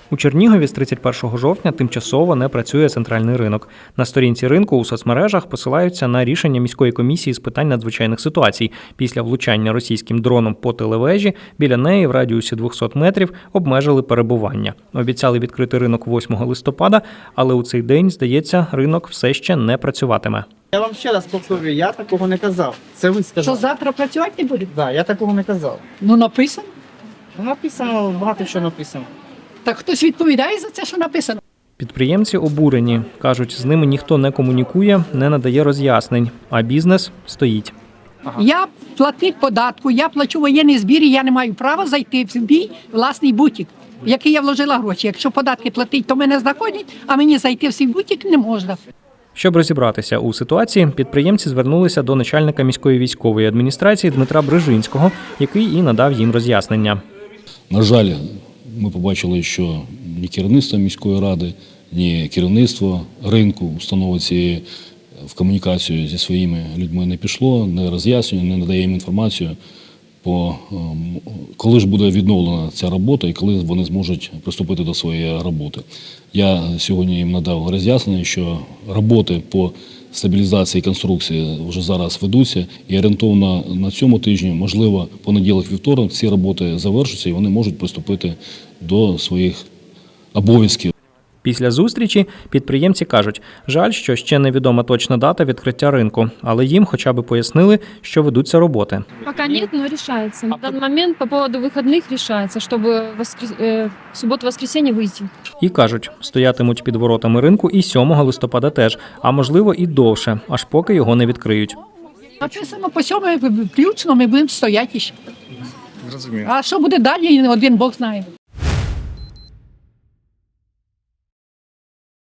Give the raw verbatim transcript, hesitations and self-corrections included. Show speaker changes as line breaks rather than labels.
У Чернігові з тридцять першого жовтня тимчасово не працює центральний ринок. На сторінці ринку у соцмережах посилаються на рішення міської комісії з питань надзвичайних ситуацій. Після влучання російським дроном по телевежі біля неї в радіусі двохсот метрів обмежили перебування. Обіцяли відкрити ринок восьмого листопада, але у цей день, здається, ринок все ще не працюватиме.
Я вам ще раз повторюю, я такого не казав. Це ви сказали.
Що завтра працювати не буде?
Так, да, я такого не казав.
Ну написано.
Ну, написано, багато що написано.
Так хтось відповідає за це, що написано.
Підприємці обурені. Кажуть, з ними ніхто не комунікує, не надає роз'яснень, а бізнес стоїть.
Ага.
Я платник податку, я плачу воєнний збір, і я не маю права зайти в свій власний бутік, в який я вложила гроші. Якщо податки платить, то мене знаходять, а мені зайти в свій бутік не можна.
Щоб розібратися у ситуації, підприємці звернулися до начальника міської військової адміністрації Дмитра Брижинського, який і надав їм роз'яснення.
На жаль, ми побачили, що ні керівництво міської ради, ні керівництво ринку установи цієї в комунікацію зі своїми людьми не пішло, не роз'яснює, не надає їм інформацію, по коли ж буде відновлена ця робота і коли вони зможуть приступити до своєї роботи. Я сьогодні їм надав роз'яснення, що роботи по стабілізації конструкції вже зараз ведуться і орієнтовно на цьому тижні, можливо, понеділок-вівторок ці роботи завершаться і вони можуть приступити до своїх обов'язків.
Після зустрічі підприємці кажуть, жаль, що ще невідома точна дата відкриття ринку, але їм хоча б пояснили, що ведуться роботи.
Пока нет, но решается. На данный момент по поводу выходных решается, чтобы воскрес... э, в субботу-воскресенье выйти.
І кажуть, стоятимуть під воротами ринку і сьомого листопада теж, а можливо і довше, аж поки його не відкриють.
Написано по сьомому включно, ми будемо стояти ще.
Зрозуміло.
А що буде далі, один Бог знає.